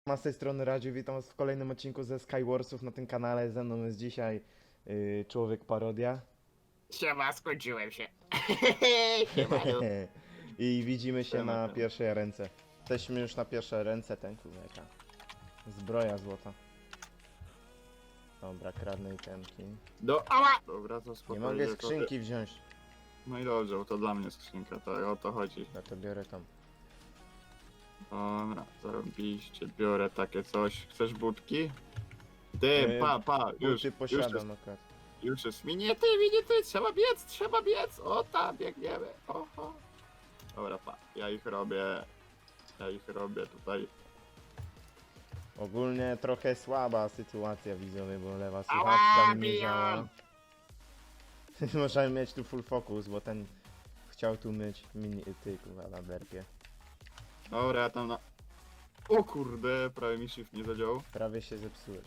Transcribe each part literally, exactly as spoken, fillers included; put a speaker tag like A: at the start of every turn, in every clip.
A: Ma z tej strony Radziu, witam was w kolejnym odcinku ze Skywarsów na tym kanale. Ze mną jest dzisiaj yy, Człowiek Parodia.
B: Siema, skończyłem się. Siemanu.
A: I widzimy się
B: Siema,
A: na
B: siema.
A: pierwszej ręce. Jesteśmy już na pierwsze ręce, ten kurwa. Zbroja złota. Dobra, kradnę itemki.
B: Do ała! Dobra, to
A: Nie
B: spokojnie.
A: mogę
B: to-
A: skrzynki wziąć.
B: No i dobrze, bo to dla mnie skrzynka, tak o to chodzi.
A: Ja to biorę tam.
B: Dobra, zarobiście, biorę takie coś. Chcesz budki? Ty,
A: Yy,
B: pa, pa, już,
A: Buty
B: już jest,
A: posiadam akurat.
B: już jest. Minie ty, minie ty, trzeba biec, trzeba biec. O tam, biegniemy. Oho. Dobra, pa, ja ich robię, ja ich robię tutaj.
A: Ogólnie trochę słaba sytuacja widzowie, bo lewa
B: Ała,
A: słuchawka mi nie
B: biją!
A: działa. Możemy mieć tu full focus, bo ten chciał tu myć mini ty kurwa na derpie.
B: Dobra, ja tam na... O kurde, prawie mi shift nie zadziałał.
A: Prawie się zepsułeś.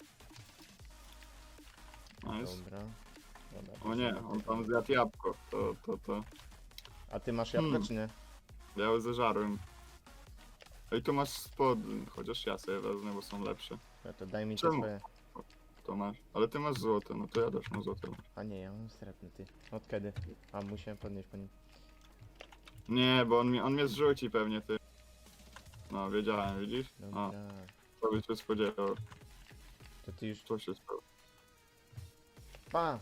B: Nice.
A: Dobra. Dobra.
B: O nie, on tam zjadł jabłko. To, to, to.
A: A ty masz jabłko
B: Hmm.
A: czy nie?
B: Ja ją zeżarłem. Ej, tu masz spod, chociaż ja sobie wezmę, bo są lepsze.
A: No to daj mi te
B: Czemu?
A: swoje.
B: To masz. Ale ty masz złote, no to ja też mam złote.
A: A nie, ja mam srebrny ty. Od kiedy? A musiałem podnieść po nim.
B: Nie, bo on, mi, on mnie zrzuci pewnie, ty. No, wiedziałem, widzisz?
A: Dobra.
B: A, to by się spodziewał.
A: To ty już.
B: To się spodziewał.
A: Pa!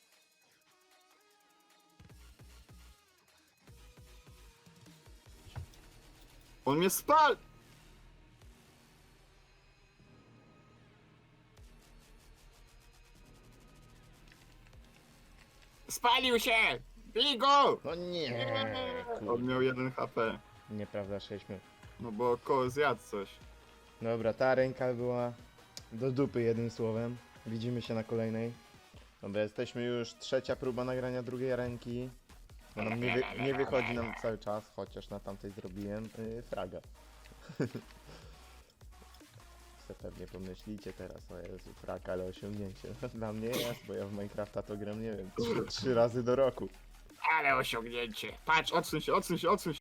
B: On mnie spal! Spalił się! Bij go!
A: No nie!
B: On
A: Kur...
B: miał jeden H P.
A: Nieprawda, sześć minut.
B: No bo koło zjadł coś.
A: Dobra, ta ręka była do dupy jednym słowem. Widzimy się na kolejnej. Dobra, jesteśmy już trzecia próba nagrania drugiej ręki. No nam nie, wy, nie wychodzi nam cały czas, chociaż na tamtej zrobiłem yy, fraga. Co pewnie pomyślicie teraz, o Jezu, frak, ale osiągnięcie. Dla mnie jest, bo ja w Minecrafta to gram, nie wiem, trzy, trzy razy do roku.
B: Ale osiągnięcie. Patrz, odsuń się, odsuń się, odsuń się.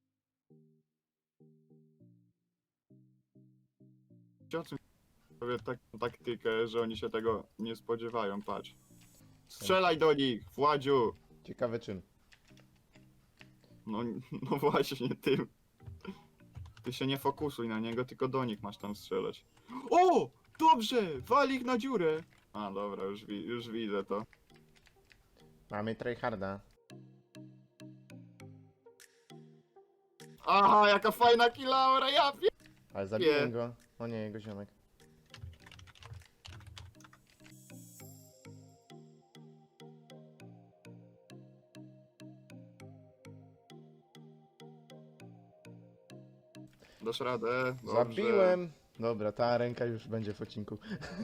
B: Odsuń się. Robię taką taktykę, że oni się tego nie spodziewają, patrz. Strzelaj do nich, Władziu!
A: Ciekawe czym.
B: No, no właśnie, tym. Ty się nie fokusuj na niego, tylko do nich masz tam strzelać. O! Dobrze! Wal ich na dziurę! A, dobra, już, wi już widzę to.
A: Mamy tryharda.
B: Aha, jaka fajna kilaura, ja wiem!
A: Ale zabiłem
B: Nie.
A: go. O nie, jego ziomek.
B: Dasz radę? Dobrze.
A: Zabiłem! Dobra, ta ręka już będzie w odcinku.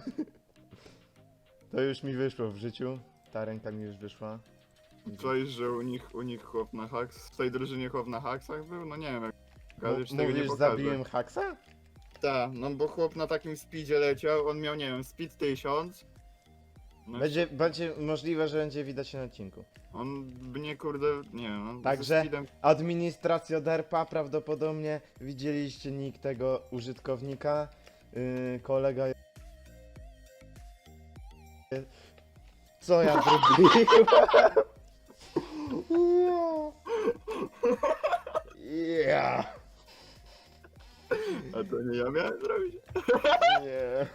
A: To już mi wyszło w życiu. Ta ręka mi już wyszła.
B: Coś, że u nich, u nich chłop na haks, w tej drużynie chłop na haksach był? No nie wiem, jak
A: M-
B: ale już tego nie
A: mówisz,
B: pokażę.
A: zabiłem Haxa?
B: Tak, no bo chłop na takim speedzie leciał, on miał, nie wiem, speed tysiąc. No
A: Będzie, będzie możliwe, że będzie widać na odcinku.
B: on mnie kurde, nie wiem, on
A: Także-
B: ze speedem...
A: Administracja derpa, prawdopodobnie widzieliście nick tego użytkownika. Yy, kolega. Co ja zrobiłem? Ja.
B: A to nie ja miałem zrobić.
A: Nie.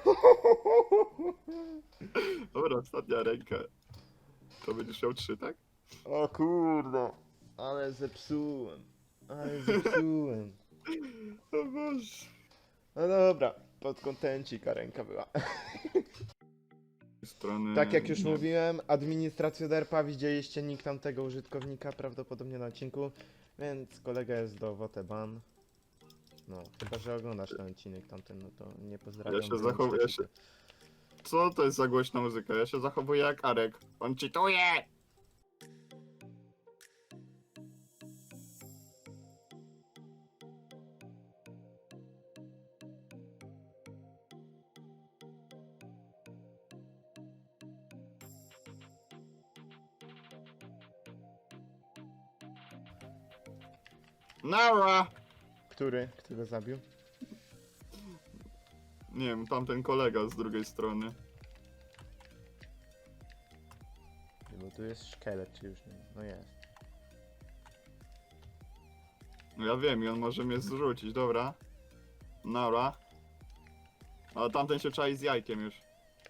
B: Dobra, ostatnia ręka. To będziesz miał trzy, tak?
A: O kurde. Ale zepsułem. Ale zepsułem.
B: O Boże.
A: No dobra, pod kontencika ręka była.
B: Strony...
A: Tak jak już
B: nie.
A: mówiłem, administracja derpa, widzieliście nick tamtego użytkownika prawdopodobnie na odcinku, więc kolega jest do Woteban. No, chyba że oglądasz ten odcinek tamten, no to nie pozdrawiam.
B: Ja się
A: bądź
B: zachowuję
A: przeciwko.
B: się- Co to jest za głośna muzyka? Ja się zachowuję jak Arek. On cheatuje! Nara!
A: Który? Kto go zabił?
B: Nie wiem, tamten kolega z drugiej strony.
A: Bo tu jest szkielet, czy już nie? No jest.
B: No ja wiem i on może mnie zrzucić, dobra. Dobra. Ale tamten się czai z jajkiem już.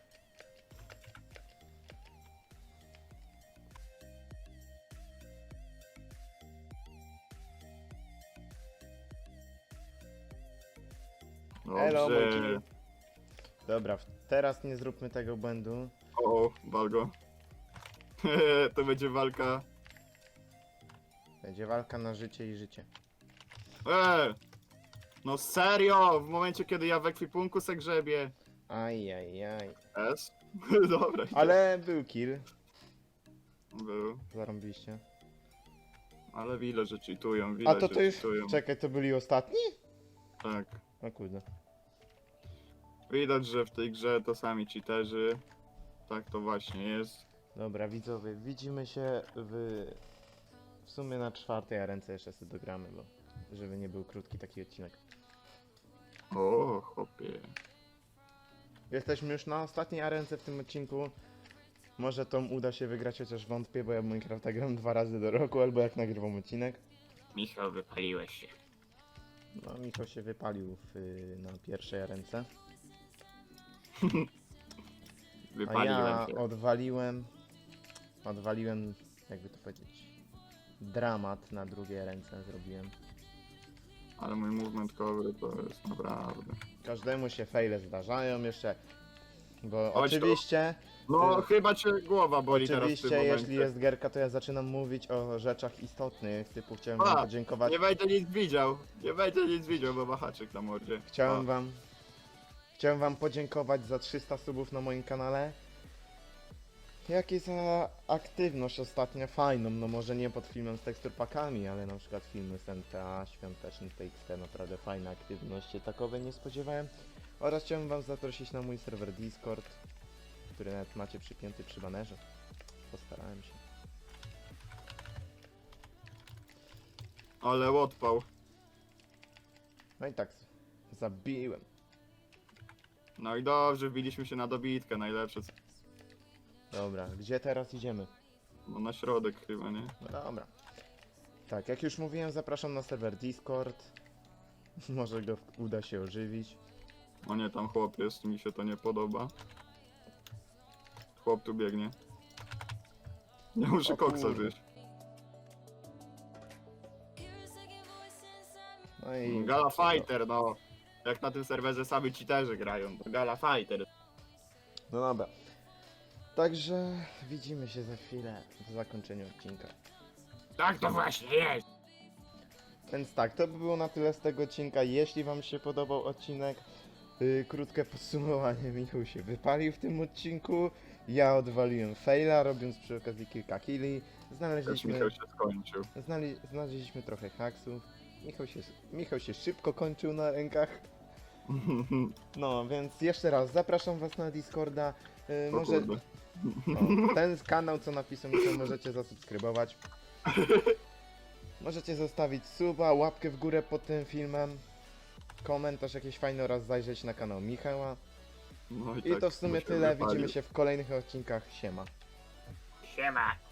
A: Elo, mój
B: Dobrze.
A: kill. Dobra, w- teraz nie zróbmy tego błędu.
B: O, walgo. To będzie walka.
A: Będzie walka na życie i życie.
B: Eee! No serio! W momencie kiedy ja w ekwipunku se grzebię.
A: Ajajaj.
B: S? Dobra. idę.
A: Ale był kill.
B: Był.
A: Zarąbiście.
B: Ale widać, że cheatują,
A: A
B: widać,
A: to
B: że
A: to już...
B: cheatują.
A: Czekaj, to byli ostatni?
B: Tak.
A: O kurde.
B: Widać, że w tej grze to sami cheaterzy. Tak to właśnie jest.
A: Dobra, widzowie, widzimy się w... W sumie na czwartej, a ręce jeszcze sobie dogramy, bo... Żeby nie był krótki taki odcinek.
B: O, chłopie.
A: Jesteśmy już na ostatniej arence w tym odcinku. Może to uda się wygrać, chociaż wątpię, bo ja w Minecrafta gram dwa razy do roku, albo jak nagrywam odcinek.
B: Michał, wypaliłeś się.
A: No, Michał się wypalił w, na pierwszej arence. A
B: Wypaliłem
A: ja
B: się.
A: odwaliłem... Odwaliłem, jakby to powiedzieć... Dramat na drugiej ręce zrobiłem.
B: Ale mój movement cover to jest naprawdę.
A: Każdemu się faile zdarzają jeszcze. Bo
B: Chodź tu.
A: oczywiście...
B: No,
A: Y,
B: chyba cię głowa boli teraz w
A: Oczywiście,
B: tym momencie.
A: jeśli jest gierka, to ja zaczynam mówić o rzeczach istotnych, typu chciałem
B: A,
A: wam podziękować.
B: Nie będzie nic widział. Nie będzie nic widział, bo ma haczyk na mordzie.
A: Chciałem
B: O,
A: wam... Chciałem wam podziękować za trzysta subów na moim kanale. Jak i za aktywność ostatnio fajną, no może nie pod filmem z teksturpakami, ale na przykład filmy z N T A, świąteczny T X T, naprawdę fajna aktywność, się takowej nie spodziewałem. Oraz chciałem wam zaprosić na mój serwer Discord, który nawet macie przypięty przy banerze. Postarałem się.
B: Ale odpał.
A: No i tak, zabiłem.
B: No i dobrze, wbiliśmy się na dobitkę, najlepsze. co-
A: Dobra, gdzie teraz idziemy?
B: No na środek chyba, nie?
A: No dobra. Tak, jak już mówiłem, zapraszam na serwer Discord. Może go uda się ożywić.
B: O nie, tam chłop jest, mi się to nie podoba. Chłop tu biegnie. Ja muszę
A: O
B: koksa
A: kurde.
B: zjeść.
A: No i...
B: Gala Fighter, no. Jak na tym serwerze sami cheaterzy grają, to Gala Fighter.
A: No dobra. Także widzimy się za chwilę w zakończeniu odcinka.
B: Tak to właśnie jest!
A: Więc tak, to by było na tyle z tego odcinka. Jeśli wam się podobał odcinek, yy, krótkie podsumowanie, Michał się wypalił w tym odcinku. Ja odwaliłem faila, robiąc przy okazji kilka killi.
B: Też
A: Znaleźliśmy,
B: Michał się skończył.
A: znali, znaleźliśmy trochę haksów. Michał się, Michał się szybko kończył na rękach. No, więc jeszcze raz zapraszam was na Discorda. Yy,
B: O
A: może
B: kurde.
A: o, ten kanał, co napisał Michał, możecie zasubskrybować. Możecie zostawić suba, łapkę w górę pod tym filmem, komentarz jakiś fajny oraz zajrzeć na kanał Michała.
B: No
A: I
B: tak,
A: to w sumie
B: bo się
A: tyle,
B: wypalił.
A: widzimy się w kolejnych odcinkach, siema.
B: Siema!